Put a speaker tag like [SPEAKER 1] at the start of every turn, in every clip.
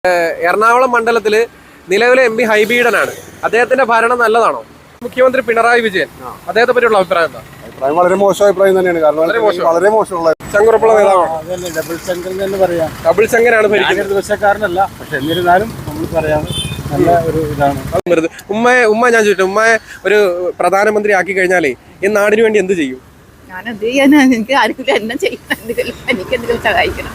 [SPEAKER 1] എറണാകുളം മണ്ഡലത്തിൽ നിലവിലെ M P ഹൈബീഡനാണ്. അദ്ദേഹത്തിന്റെ ഭരണം നല്ലതാണോ? മുഖ്യമന്ത്രി പിണറായി വിജയൻ, അദ്ദേഹത്തെ പറ്റിയുള്ള അഭിപ്രായം എന്താ?
[SPEAKER 2] അഭിപ്രായം വളരെ മോശം അഭിപ്രായം തന്നെയാണ്. കാരണം വളരെ മോശമുള്ള
[SPEAKER 1] ചങ്കുറപ്പുള്ള നേതാവാണ്.
[SPEAKER 2] ഡബിൾ ശങ്കർ എന്ന് പറയാം.
[SPEAKER 1] ഡബിൾ ശങ്കരാണ് ഭരിക്കുന്നത്.
[SPEAKER 2] ദിവസക്കാരനല്ല, പക്ഷെ എന്നിരുന്നാലും നമ്മൾ പറയാം നല്ല ഒരു ഇതാണ്.
[SPEAKER 1] ഉമ്മ ഞാൻ ചോദിച്ചു, ഉമ്മയെ ഒരു പ്രധാനമന്ത്രി ആക്കി കഴിഞ്ഞാലേ ഈ നാടിന് വേണ്ടി എന്ത് ചെയ്യും?
[SPEAKER 3] ഞാൻ എന്ത് ചെയ്യാനാ? എനിക്ക് ആർക്കും എന്നെ ചെയ്യണം, എനിക്ക് എന്തെങ്കിലും സഹായിക്കണം.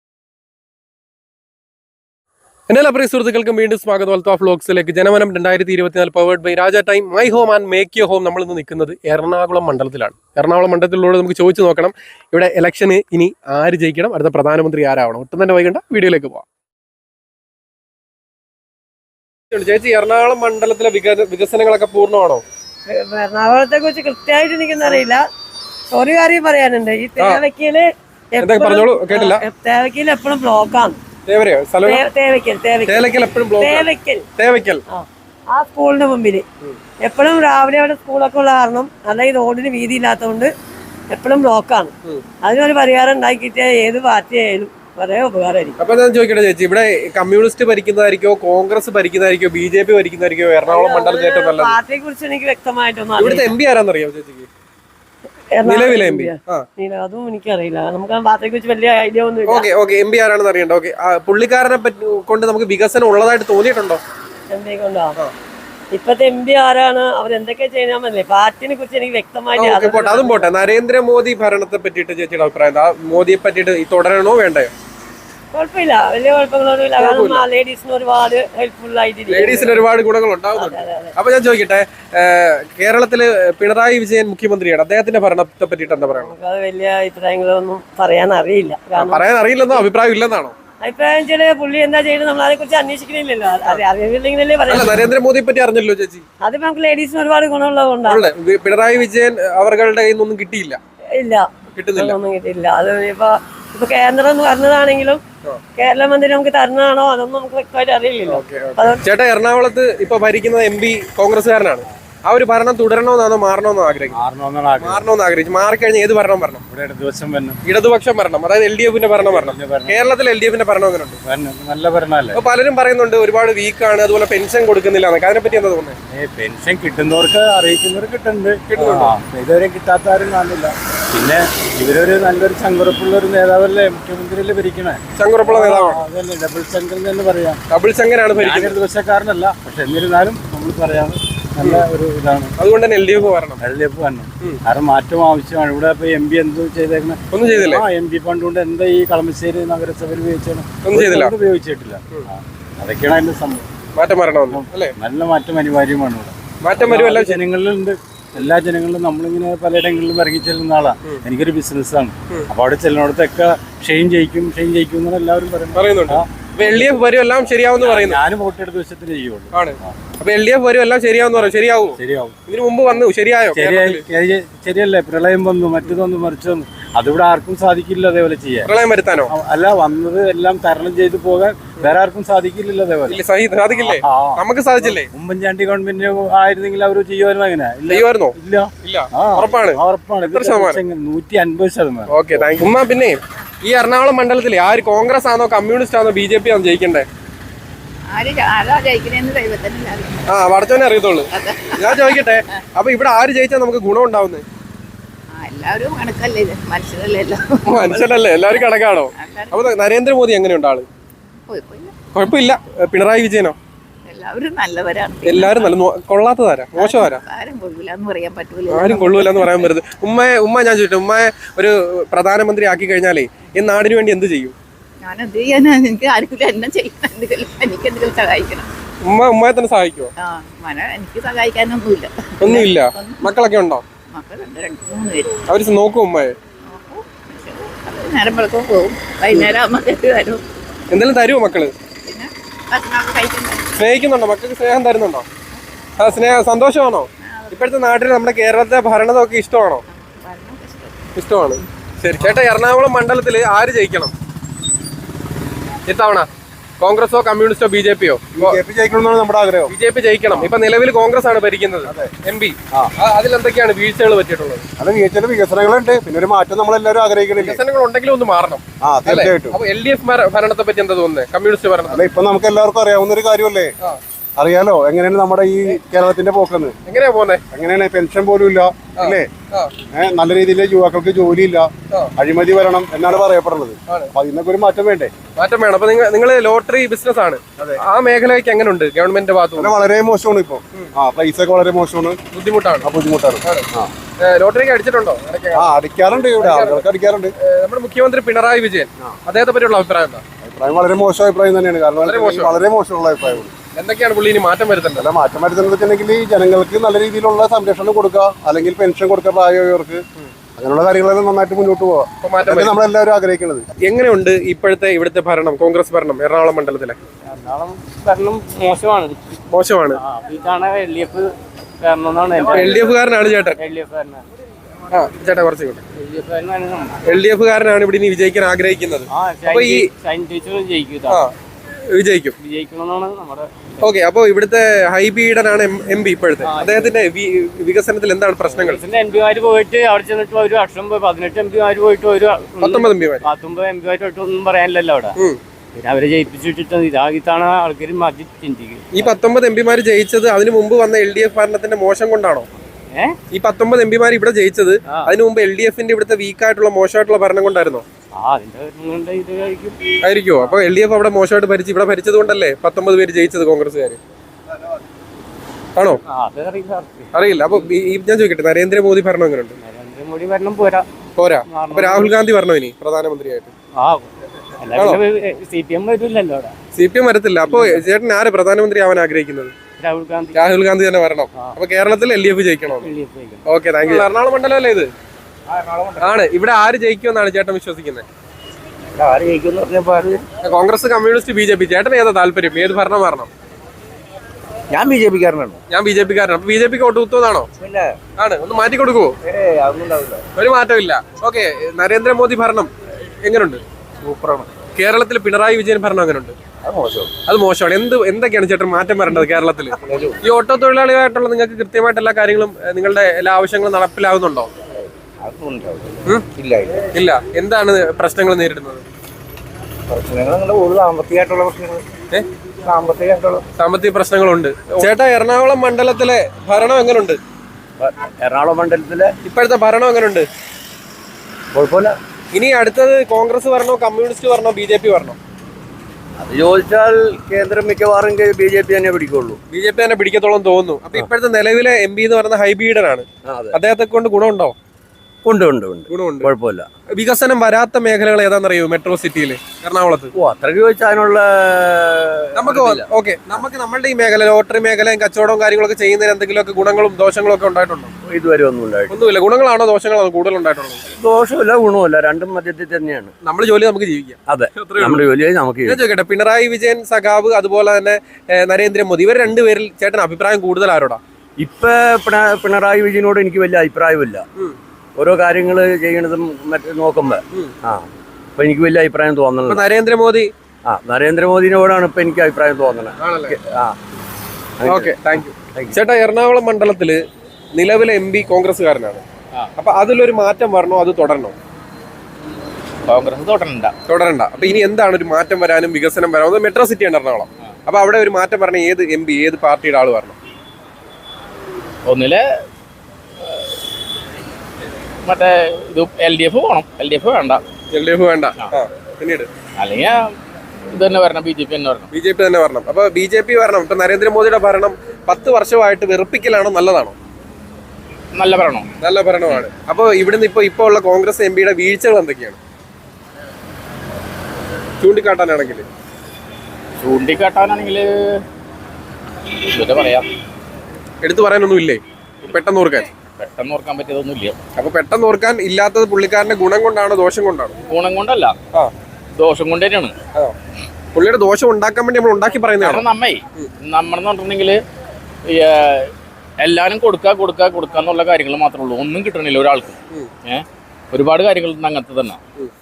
[SPEAKER 1] എല്ലാ പ്രിയ സുഹൃത്തുക്കൾക്കും വീണ്ടും സ്വാഗതം. അൽത്താഫ് വ്ലോഗ്സിലേക്ക്. ജനമനം 2024 powered by Raja time my home and make you home. നമ്മളിന്ന് നിൽക്കുന്നത് എറണാകുളം മണ്ഡലത്തിലാണ്. എറണാകുളം മണ്ഡലത്തിലൂടെ നമുക്ക് ചോദിച്ചു നോക്കണം, ഇവിടെ ഇലക്ഷന് ഇനി ആര് ജയിക്കണം, അടുത്ത പ്രധാനമന്ത്രി ആരാവണം. ഒട്ടും തന്നെ വൈകണ്ട, വീഡിയോയിലേക്ക് പോവാം. ചേച്ചി, എറണാകുളം മണ്ഡലത്തിലെ വികസനങ്ങളൊക്കെ പൂർണ്ണമാണോ?
[SPEAKER 4] എറണാകുളത്തെ കുറിച്ച് കൃത്യമായിട്ട് എനിക്കൊന്നും ഒരു കാര്യം പറയാനുണ്ട്. ഈ തേവയ്ക്കല്
[SPEAKER 1] പറഞ്ഞോളൂ, കേട്ടില്ല.
[SPEAKER 4] തേവയ്ക്കൽ എപ്പോഴും ബ്ലോക്കാണ്. ആ സ്കൂളിന്റെ മുമ്പില് എപ്പോഴും രാവിലെ അവിടെ സ്കൂളൊക്കെ ഉള്ള കാരണം അല്ലെങ്കിൽ റോഡിന് വീതി ഇല്ലാത്തതുകൊണ്ട് എപ്പോഴും ബ്ലോക്കാണ്. അതിനൊരു പരിഹാരം ഉണ്ടാക്കിയിട്ട് ഏത് പാർട്ടി ആയാലും വളരെ ഉപകാരമായിരിക്കും.
[SPEAKER 1] അപ്പൊ ഞാൻ ചോദിക്കട്ടെ ചേച്ചി, ഇവിടെ കമ്മ്യൂണിസ്റ്റ് ഭരിക്കുന്നതായിരിക്കോ കോൺഗ്രസ് ഭരിക്കുന്നതായിരിക്കോ BJP ഭരിക്കുന്നതായിരിക്കോ എറണാകുളം മണ്ഡലത്തിൽ ഏറ്റവും നല്ലത്?
[SPEAKER 4] പാർട്ടിയെ കുറിച്ച് എനിക്ക് വ്യക്തമായിട്ടൊന്നും
[SPEAKER 1] ഇവിടുത്തെ MP ആരാന്നറിയാമോ ചേച്ചിക്ക്? നിലവിലെ MP
[SPEAKER 4] അതും എനിക്കറിയില്ല. നമുക്ക് ആ പാർട്ടിയെ കുറിച്ച് വലിയ ഐഡിയ ഒന്നും
[SPEAKER 1] ഇല്ല. MP ആരാണെന്ന് അറിയണ്ട. ഓക്കെ, പുള്ളിക്കാരനെ കൊണ്ട് നമുക്ക് വികസനം ഉള്ളതായിട്ട് തോന്നിയിട്ടുണ്ടോ?
[SPEAKER 4] MP കൊണ്ടോ? ഇപ്പത്തെ MP ആരാണ്, അവരെന്തൊക്കെ ചെയ്യാൻ പറ്റില്ലേ? പാർട്ടിനെ കുറിച്ച് എനിക്ക് വ്യക്തമായിട്ട്
[SPEAKER 1] അതും പോട്ടെ. നരേന്ദ്രമോദി ഭരണത്തെ പറ്റിയിട്ട് ചേച്ചിയുടെ അഭിപ്രായം എന്താ? മോദിയെ പറ്റിയിട്ട് തുടരണോ വേണ്ടയോ?
[SPEAKER 4] കുഴപ്പമില്ല, വലിയ കുഴപ്പങ്ങളൊന്നുമില്ല. കാരണം ലേഡീസിന് ഒരുപാട് ഹെൽപ്ഫുൾ ആയിട്ട്,
[SPEAKER 1] ലേഡീസിന് ഒരുപാട് ഗുണങ്ങൾ ഉണ്ടാവുന്നുണ്ട്. അപ്പൊ ഞാൻ ചോദിക്കട്ടെ, കേരളത്തില് പിണറായി വിജയൻ മുഖ്യമന്ത്രിയാണ്, അദ്ദേഹത്തിന്റെ ഭരണത്തെ പറ്റിയിട്ട് എന്താ പറയുക?
[SPEAKER 4] നമുക്ക് അത് വലിയ അഭിപ്രായങ്ങളൊന്നും പറയാൻ അറിയില്ല.
[SPEAKER 1] പറയാൻ അറിയില്ലെന്നോ അഭിപ്രായം ഇല്ലെന്നാണോ?
[SPEAKER 4] അഭിപ്രായം വെച്ചാല് പുള്ളി എന്താ ചെയ്യുന്നത് നമ്മൾ അതിനെ കുറിച്ച് അന്വേഷിക്കുന്നില്ലല്ലോ. അറിയില്ലെങ്കിലല്ലേ പറയാം.
[SPEAKER 1] നരേന്ദ്രമോദിയെ പറ്റി അറിഞ്ഞല്ലോ ചേച്ചി.
[SPEAKER 4] അത് നമുക്ക് ലേഡീസിന് ഒരുപാട് ഗുണമുള്ളതുകൊണ്ടാണ്.
[SPEAKER 1] പിണറായി വിജയൻ അവരുടെ കയ്യിൽ നിന്നൊന്നും കിട്ടിയില്ല.
[SPEAKER 4] ഇല്ല, ഒന്നും കിട്ടിയില്ല. അത് ഇപ്പൊ കേന്ദ്രം എന്ന് പറഞ്ഞതാണെങ്കിലും കേരള മന്ത്രി നമുക്ക് തരുന്നതാണോ അതൊന്നും നമുക്ക് വ്യക്തമായിട്ട് അറിയില്ലല്ലോ.
[SPEAKER 1] ചേട്ടാ, എറണാകുളത്ത് ഇപ്പൊ ഭരിക്കുന്ന MP കോൺഗ്രസ്സുകാരനാണ്. ആ ഒരു ഭരണം തുടരണമെന്നാണോ മാറണമെന്നോ ആഗ്രഹിക്കും? മാറിക്കഴിഞ്ഞാൽ ഏത് ഭരണം വരണം? ഇടതുപക്ഷം ഭരണം, അതായത് LDF-ന്റെ ഭരണം വരണം. കേരളത്തിൽ LDF-ന്റെ ഭരണം എങ്ങനെയുണ്ട്?
[SPEAKER 2] നല്ല ഭരണമല്ലേ?
[SPEAKER 1] അപ്പൊ പലരും പറയുന്നുണ്ട് ഒരുപാട് വീക്കാണ്, അതുപോലെ പെൻഷൻ കൊടുക്കുന്നില്ല. അതിനെപ്പറ്റി എന്താ തോന്നുന്നത്?
[SPEAKER 2] പെൻഷൻ കിട്ടുന്നവർക്ക് അറിയിക്കുന്നവർക്ക് കിട്ടുന്നുണ്ട്, ഇതുവരെ കിട്ടാത്തവരും കാണില്ല. പിന്നെ ഇവരൊരു നല്ലൊരു ചങ്കുറപ്പുള്ള ഒരു നേതാവല്ലേ മുഖ്യമന്ത്രിയില് ഭരിക്കണേ?
[SPEAKER 1] ചങ്കുറപ്പുള്ള നേതാവാണ്.
[SPEAKER 2] അതല്ലേ, ഡബിൾ ശങ്കർ എന്ന് പറയാം.
[SPEAKER 1] ഡബിൾ ശങ്കരാണ് ഭരിക്കുന്നത്.
[SPEAKER 2] ദിവസക്കാരനല്ല, പക്ഷെ എന്നിരുന്നാലും നമ്മൾ പറയാം നല്ല ഒരു ഇതാണ്.
[SPEAKER 1] അതുകൊണ്ട് തന്നെ LDF വരണം.
[SPEAKER 2] കാരണം മാറ്റം ആവശ്യമാണ്. ഇവിടെ ഇപ്പൊ MP എന്ത് ചെയ്തേക്കണേ?
[SPEAKER 1] ഒന്നും ചെയ്തില്ല.
[SPEAKER 2] MP ഫണ്ട് കൊണ്ട് എന്താ ഈ കളമശ്ശേരി നഗരസഭയിൽ ഉപയോഗിച്ചിട്ടില്ല. അതൊക്കെയാണ് അതിന്റെ സംഭവം.
[SPEAKER 1] മാറ്റം വരണമെന്ന് അല്ലേ?
[SPEAKER 2] നല്ല മാറ്റം അനിവാര്യമാണ്. ഇവിടെ
[SPEAKER 1] മാറ്റം വരും. എല്ലാ
[SPEAKER 2] ജനങ്ങളിലുണ്ട്, എല്ലാ ജനങ്ങളിലും. നമ്മളിങ്ങനെ പലയിടങ്ങളിലും ഇറങ്ങി ചെല്ലുന്ന ആളാ. എനിക്കൊരു ബിസിനസ്സാണ്. അപ്പൊ അവിടെ ചെല്ലുന്നിടത്തൊക്കെ ഷെയിൻ ജയിക്കും എന്നാണ് എല്ലാവരും
[SPEAKER 1] പറയുന്നുണ്ട്. LDF വരും, എല്ലാം ശരിയാവുമെന്ന് പറയുന്നു.
[SPEAKER 2] ഞാനും വോട്ടെടുത്ത ദിവസത്തിന് ചെയ്യുള്ളൂ.
[SPEAKER 1] അപ്പൊ LDF വരും, എല്ലാം ശരിയാവുന്ന പറയും. ശരിയാവും. ഇതിനു മുമ്പ് വന്നു, ശരിയായോ?
[SPEAKER 2] ശരിയല്ലേ? പ്രളയം വന്നു, മറ്റൊന്ന് മറിച്ചൊന്നു. അതിവിടെ ആർക്കും സാധിക്കില്ല അതേപോലെ ചെയ്യാൻ.
[SPEAKER 1] പ്രളയം വരുത്താനോ? അല്ല,
[SPEAKER 2] വന്നത് എല്ലാം തരണം ചെയ്തു പോകാൻ വേറെ ആർക്കും സാധിക്കില്ലല്ലോ അതേപോലെ.
[SPEAKER 1] സാധിക്കില്ലേ? നമുക്ക് സാധിച്ചില്ലേ?
[SPEAKER 2] ഉമ്മൻചാണ്ടി ഗവൺമെന്റ് ആയിരുന്നെങ്കിൽ അവർ ചെയ്യുമായിരുന്നു. അങ്ങനെ
[SPEAKER 1] ചെയ്യുമായിരുന്നോ?
[SPEAKER 2] ഇല്ല.
[SPEAKER 1] ഉറപ്പാണ്.
[SPEAKER 2] 150%.
[SPEAKER 1] Okay, thank you. ഉമ്മ, പിന്നെ ഈ എറണാകുളം മണ്ഡലത്തിലെ ആര് കോൺഗ്രസ് ആണോ കമ്മ്യൂണിസ്റ്റ് ആണോ BJP ആണോ ജയിക്കണ്ടേ? വടച്ചോനെ അറിയത്തുള്ളൂ. ഞാൻ ചോദിക്കട്ടെ, അപ്പൊ ഇവിടെ ആര് ജയിച്ചാൽ നമുക്ക് ഗുണം ഉണ്ടാവുന്നത്?
[SPEAKER 3] എല്ലാവരും കണക്കല്ലേ,
[SPEAKER 1] മനുഷ്യരല്ലേ? എല്ലാവരും കണക്കാണോ? അപ്പൊ നരേന്ദ്രമോദി എങ്ങനെയുണ്ട് ആള്? കുഴപ്പമില്ല. പിണറായി വിജയനോ?
[SPEAKER 3] എല്ലാവരും നല്ലവരാണ്.
[SPEAKER 1] എല്ലാവരും നല്ല. കൊള്ളാത്തതാരാ? മോശമാരാ?
[SPEAKER 3] ആരും കൊള്ളൂലെന്ന് പറയാൻ പറ്റൂല.
[SPEAKER 1] ആരും കൊള്ളൂലെന്ന് പറയാൻ പറ്റരുത്. ഉമ്മ ഞാൻ ചോദിച്ചു, ഉമ്മയെ ഒരു പ്രധാനമന്ത്രി ആക്കി കഴിഞ്ഞാലേ ഈ നാടിന് വേണ്ടി എന്ത് ചെയ്യും?
[SPEAKER 3] ഞാൻ എന്ത് ചെയ്യാനാ? എനിക്ക് ആർക്കും എന്നെ ചെയ്യണം, എനിക്ക് എന്തെങ്കിലും സഹായിക്കണം.
[SPEAKER 1] ഉമ്മയെ തന്നെ സഹായിക്കുമോ?
[SPEAKER 3] എനിക്ക് സഹായിക്കാനൊന്നുമില്ല.
[SPEAKER 1] ഒന്നുമില്ല. മക്കളൊക്കെ ഉണ്ടോ?
[SPEAKER 3] മക്കളുണ്ട്, 2-3 പേര്.
[SPEAKER 1] അവര് നോക്കും ഉമ്മയെ?
[SPEAKER 3] നേരം വെളുക്കും പോകും, വൈകുന്നേരം ആകുമ്പോൾ വരും.
[SPEAKER 1] എന്തെങ്കിലും തരുമോ മക്കള്?
[SPEAKER 3] പിന്നെ ഭക്ഷണമൊക്കെ കഴിക്കുന്നത്.
[SPEAKER 1] സ്നേഹിക്കുന്നുണ്ടോ? മക്കൾക്ക് സ്നേഹം തരുന്നുണ്ടോ? സന്തോഷമാണോ? ഇപ്പോഴത്തെ നാട്ടിൽ നമ്മുടെ കേരളത്തെ ഭരണമൊക്കെ ഇഷ്ടമാണോ? ഇഷ്ടമാണ്. ശരി ചേട്ടാ, എറണാകുളം മണ്ഡലത്തിൽ ആര് ജയിക്കണം ഇത്തവണ? കോൺഗ്രസോ കമ്മ്യൂണിസ്റ്റോ BJP-യോ?
[SPEAKER 2] BJP ജയിക്കണമെന്നാണ് നമ്മുടെ ആഗ്രഹം.
[SPEAKER 1] BJP ജയിക്കണം. ഇപ്പൊ നിലവിൽ കോൺഗ്രസ് ആണ് ഭരിക്കുന്നത്. MP അതിലെന്തൊക്കെയാണ് വീഴ്ചകൾ പറ്റിയിട്ടുള്ളത്?
[SPEAKER 2] അത് ചില വികസനങ്ങളുണ്ട്, പിന്നെ ഒരു മാറ്റം നമ്മളെല്ലാവരും ആഗ്രഹിക്കുന്നില്ല.
[SPEAKER 1] വികസനങ്ങൾ ഉണ്ടെങ്കിലും ഒന്ന് മാറണം.
[SPEAKER 2] തീർച്ചയായിട്ടും.
[SPEAKER 1] അപ്പൊ LDF ഭരണത്തെ പറ്റി എന്താ തോന്നുന്നത്? കമ്മ്യൂണിസ്റ്റ് ഭരണം
[SPEAKER 2] അല്ല, ഇപ്പൊ നമുക്ക് എല്ലാവർക്കും അറിയാവുന്ന ഒരു കാര്യമല്ലേ, അറിയാലോ എങ്ങനെയാണ് നമ്മുടെ ഈ കേരളത്തിന്റെ പോക്കെന്ന്.
[SPEAKER 1] എങ്ങനെയാ പോകുന്നത്?
[SPEAKER 2] എങ്ങനെയാണ് പെൻഷൻ പോലും ഇല്ല അല്ലേ, നല്ല രീതിയിൽ യുവാക്കൾക്ക് ജോലിയില്ല, അഴിമതി വരണം എന്നാണ് പറയപ്പെടുന്നത്. അപ്പൊ അതിനൊക്കെ ഒരു മാറ്റം വേണ്ടേ?
[SPEAKER 1] മാറ്റം വേണം. അപ്പൊ നിങ്ങൾ ലോട്ടറി ബിസിനസ് ആണ്, ആ മേഖലയ്ക്ക് എങ്ങനെയുണ്ട് ഗവൺമെന്റിന്റെ ഭാഗത്ത്?
[SPEAKER 2] വളരെ മോശമാണ് ഇപ്പൊ. പൈസ ഒക്കെ വളരെ മോശമാണ്,
[SPEAKER 1] ബുദ്ധിമുട്ടാണ്. ലോട്ടറിക്ക് അടിച്ചിട്ടുണ്ടോ?
[SPEAKER 2] അടിക്കാറുണ്ട്, ഇവിടെ ആളുകൾക്ക് അടിക്കാറുണ്ട്.
[SPEAKER 1] നമ്മുടെ മുഖ്യമന്ത്രി പിണറായി വിജയൻ, അദ്ദേഹത്തെ പറ്റിയുള്ള അഭിപ്രായം എന്താ?
[SPEAKER 2] അഭിപ്രായം വളരെ മോശം അഭിപ്രായം തന്നെയാണ്. കാരണം വളരെ മോശമുള്ള അഭിപ്രായമാണ്.
[SPEAKER 1] എന്തൊക്കെയാണ് പുള്ളി ഇനി മാറ്റം വരുത്തുന്നത്?
[SPEAKER 2] അല്ല, മാറ്റം വരുത്തുന്നത് വെച്ചിട്ടുണ്ടെങ്കിൽ ജനങ്ങൾക്ക് നല്ല രീതിയിലുള്ള സംരക്ഷണം കൊടുക്കുക, അല്ലെങ്കിൽ പെൻഷൻ കൊടുക്കുക പ്രായമായവർക്ക്, അങ്ങനെയുള്ള കാര്യങ്ങളെല്ലാം നന്നായിട്ട് മുന്നോട്ട് പോകാം. നമ്മളെല്ലാവരും ആഗ്രഹിക്കുന്നത്.
[SPEAKER 1] എങ്ങനെയുണ്ട് ഇപ്പോഴത്തെ ഇവിടുത്തെ ഭരണം, കോൺഗ്രസ് ഭരണം എറണാകുളം മണ്ഡലത്തിലെ?
[SPEAKER 5] ഭരണം മോശമാണ്.
[SPEAKER 1] LDF കാരനാണ് ചേട്ടൻ. ചേട്ടാ കുറച്ച് LDF കാരനാണ് ഇവിടെ ഇനി വിജയിക്കാൻ ആഗ്രഹിക്കുന്നത്. അപ്പൊ ഈ വിജയിക്കും. ഓക്കെ, അപ്പൊ ഇവിടുത്തെ ഹൈബീഡനാണ് MP ഇപ്പോഴത്തെ. അദ്ദേഹത്തിന്റെ വികസനത്തിൽ എന്താണ് പ്രശ്നങ്ങൾ?
[SPEAKER 5] MP-മാര് പോയിട്ട് അവിടെ ചെന്നിട്ട് ഒരു വർഷം 18 MP-മാര് പോയിട്ട്
[SPEAKER 1] 19
[SPEAKER 5] MP-മാര് ഒന്നും പറയാനില്ലല്ലോ അവിടെ. പിന്നെ അവരെ ജയിപ്പിച്ചിട്ട് ഇതാണ് ആൾക്കാർ മാറ്റി ചിന്തിക്കുന്നത്.
[SPEAKER 1] ഈ 19 MP-മാര് ജയിച്ചത് അതിനു മുമ്പ് വന്ന LDF ഭരണത്തിന്റെ മോശം കൊണ്ടാണോ? ഈ 19 MP-മാര് ഇവിടെ ജയിച്ചത് അതിനു മുമ്പ് LDF-ന്റെ ഇവിടുത്തെ വീക്കായിട്ടുള്ള മോശമായിട്ടുള്ള ഭരണം കൊണ്ടായിരുന്നോ? ആയിരിക്കുമോ? അപ്പൊ LDF അവിടെ മോശമായിട്ട് ഭരിച്ച് ഇവിടെ ഭരിച്ചത് കൊണ്ടല്ലേ 19 പേര് ജയിച്ചത് കോൺഗ്രസ്സുകാര് ആണോ? അറിയില്ല. അപ്പൊ ഞാൻ ചോദിക്കട്ടെ, നരേന്ദ്രമോദി ഭരണം എങ്ങനെയുണ്ട്?
[SPEAKER 5] നരേന്ദ്രമോദി ഭരണം പോരാ.
[SPEAKER 1] അപ്പൊ രാഹുൽ ഗാന്ധി ഭരണം ഇനി പ്രധാനമന്ത്രിയായിട്ട്? CPM വരത്തില്ല. അപ്പൊ ചേട്ടൻ ആര് പ്രധാനമന്ത്രി ആവാൻ ആഗ്രഹിക്കുന്നത്? രാഹുൽ ഗാന്ധി തന്നെ വരണം. അപ്പൊ കേരളത്തിൽ LDF ജയിക്കണോ? Okay, thank you. എറണാകുളം മണ്ഡലം അല്ലേ ഇത്? ആണ്. ഇവിടെ ആര് ജയിക്കുമെന്നാണ് ചേട്ടൻ വിശ്വസിക്കുന്നത്? Congress, communist, BJP. ചേട്ടൻ ഏതാ താല്പര്യം? ഏത് ഭരണം വരണം?
[SPEAKER 2] ഞാൻ BJP-കാരനാണ്.
[SPEAKER 1] ഞാൻ BJP-കാരനാണ്. അപ്പൊ BJP-ക്ക് വോട്ട് കുത്തുന്നതാണോ? ആണ്. ഒന്ന് മാറ്റി കൊടുക്കുവോ? ഒരു മാറ്റമില്ല. ഓക്കെ, നരേന്ദ്രമോദി ഭരണം എങ്ങനെയുണ്ട്?
[SPEAKER 2] സൂപ്പറാണ്.
[SPEAKER 1] കേരളത്തിൽ പിണറായി വിജയൻ ഭരണം എങ്ങനെയുണ്ട്? അത് മോശമാണ്. എന്തൊക്കെയാണ് ചേട്ടൻ മാറ്റം വരേണ്ടത് കേരളത്തിൽ? ഈ ഓട്ടോ തൊഴിലാളികളായിട്ടുള്ള നിങ്ങൾക്ക് കൃത്യമായിട്ട് എല്ലാ കാര്യങ്ങളും നിങ്ങളുടെ എല്ലാ ആവശ്യങ്ങളും നടപ്പിലാകുന്നുണ്ടോ? ഇല്ല. എന്താണ് പ്രശ്നങ്ങൾ നേരിടുന്നത്? സാമ്പത്തിക പ്രശ്നങ്ങളുണ്ട്. ചേട്ടാ, എറണാകുളം മണ്ഡലത്തിലെ ഭരണം എങ്ങനെയുണ്ട്?
[SPEAKER 2] എറണാകുളം മണ്ഡലത്തിലെ
[SPEAKER 1] ഇപ്പോഴത്തെ ഭരണം എങ്ങനെയുണ്ട്?
[SPEAKER 2] കുഴപ്പമില്ല.
[SPEAKER 1] ഇനി അടുത്തത് കോൺഗ്രസ് വരണോ, കമ്മ്യൂണിസ്റ്റ് വരണോ, BJP വരണോ?
[SPEAKER 2] അത് ചോദിച്ചാൽ കേന്ദ്രം മിക്കവാറും BJP തന്നെ പിടിക്കുള്ളൂ.
[SPEAKER 1] BJP തന്നെ പിടിക്കത്തോളം തോന്നുന്നു. അപ്പൊ ഇപ്പോഴത്തെ നിലവിലെ MP എന്ന് പറയുന്ന ഹൈബീഡനാണ്. അദ്ദേഹത്തെ കൊണ്ട് ഗുണമുണ്ടോ?
[SPEAKER 2] ഉണ്ട്.
[SPEAKER 1] ഗുണമുണ്ട്.
[SPEAKER 2] കുഴപ്പമില്ല.
[SPEAKER 1] വികസനം വരാത്ത മേഖലകൾ ഏതാണെന്നറിയോ മെട്രോ സിറ്റിയില് എറണാകുളത്ത്?
[SPEAKER 2] അത്രയ്ക്ക് ചോദിച്ചാൽ അതിനുള്ള
[SPEAKER 1] നമുക്ക് നമ്മളുടെ ഈ മേഖല, ലോട്ടറി മേഖലയും കച്ചവടവും കാര്യങ്ങളൊക്കെ ചെയ്യുന്നതിന് എന്തെങ്കിലുമൊക്കെ ഗുണങ്ങളും ദോഷങ്ങളും ഒക്കെ ഉണ്ടായിട്ടുണ്ടോ?
[SPEAKER 2] ഇതുവരെ ഒന്നുമില്ല.
[SPEAKER 1] ഗുണങ്ങളാണോ ദോഷങ്ങളാണോ കൂടുതൽ ഉണ്ടായിട്ടുള്ളത്?
[SPEAKER 2] ദോഷമില്ല, ഗുണമില്ല, രണ്ടും മധ്യത്തിൽ തന്നെയാണ്.
[SPEAKER 1] നമ്മുടെ ജോലി നമുക്ക് ജീവിക്കാം.
[SPEAKER 2] അതെ, നമ്മുടെ ജോലിയായി നമുക്ക്.
[SPEAKER 1] ഞാൻ ചോദിക്കട്ടെ, പിണറായി വിജയൻ സഖാവ് അതുപോലെ തന്നെ നരേന്ദ്രമോദി, ഇവർ രണ്ടുപേരിൽ ചേട്ടൻ അഭിപ്രായം കൂടുതൽ ആരോടാ?
[SPEAKER 2] ഇപ്പൊ പിണറായി വിജയനോട് എനിക്ക് വലിയ അഭിപ്രായമില്ല. ഓരോ കാര്യങ്ങൾ ചെയ്യണതും മറ്റേ നോക്കുമ്പോ അപ്പൊ എനിക്ക് വലിയ അഭിപ്രായം തോന്നുന്നത് നരേന്ദ്രമോദിനോടാണ് ഇപ്പൊ എനിക്ക് അഭിപ്രായം തോന്നുന്നത്.
[SPEAKER 1] ചേട്ടാ, എറണാകുളം മണ്ഡലത്തില് നിലവിലെ MP കോൺഗ്രസ്സുകാരനാണ്. അപ്പൊ അതിലൊരു മാറ്റം വരണോ, അത് തുടരണോ?
[SPEAKER 5] കോൺഗ്രസ്
[SPEAKER 1] തുടരണ്ട. അപ്പൊ ഇനി എന്താണ് ഒരു മാറ്റം വരാനും വികസനം വരാനും? മെട്രോ സിറ്റിയാണ് എറണാകുളം. അപ്പൊ അവിടെ ഒരു മാറ്റം പറഞ്ഞ ഏത് MP, ഏത് പാർട്ടിയുടെ ആള് വരണം?
[SPEAKER 5] ഒന്നില് മറ്റേ ഇത് LDF പോകണം. LDF വേണ്ട.
[SPEAKER 1] പിന്നീട്
[SPEAKER 5] അല്ലെങ്കിൽ ഇത് തന്നെ വരണം, BJP തന്നെ വരണം.
[SPEAKER 1] അപ്പൊ BJP വരണം. ഇപ്പൊ നരേന്ദ്രമോദിയുടെ ഭരണം 10 വർഷമായിട്ട് വെറുപ്പിക്കലാണോ, നല്ലതാണോ? നല്ല ഭരണമാണ്. അപ്പൊ ഇവിടുന്ന് ഇപ്പൊ ഉള്ള കോൺഗ്രസ് MP-യുടെ വീഴ്ചകൾ എന്തൊക്കെയാണ് ചൂണ്ടിക്കാട്ടാനാണെങ്കിൽ
[SPEAKER 5] പറയാം.
[SPEAKER 1] എടുത്തു പറയാനൊന്നും ഇല്ലേ? പെട്ടെന്ന്
[SPEAKER 5] ഓർക്കാൻ പറ്റിയതൊന്നുമില്ല.
[SPEAKER 1] അപ്പൊ പെട്ടെന്ന് ഓർക്കാൻ ഇല്ലാത്തത് പുള്ളിക്കാരന്റെ ഗുണം കൊണ്ടാണോ ദോഷം കൊണ്ടാണോ?
[SPEAKER 5] ഗുണം കൊണ്ടല്ല, ദോഷം കൊണ്ട് തന്നെയാണ്.
[SPEAKER 1] പുള്ളിയുടെ ദോഷം ഉണ്ടാക്കാൻ വേണ്ടി നമ്മൾ ഉണ്ടാക്കി പറയുന്നതാണ്.
[SPEAKER 5] നമ്മളെന്ന് പറഞ്ഞിട്ടുണ്ടെങ്കിൽ എല്ലാവരും കൊടുക്കുക എന്നുള്ള കാര്യങ്ങൾ മാത്രമേ ഉള്ളൂ. ഒന്നും കിട്ടണില്ല ഒരാൾക്ക്. ഒരുപാട് കാര്യങ്ങൾ അങ്ങനത്തെ തന്നെ.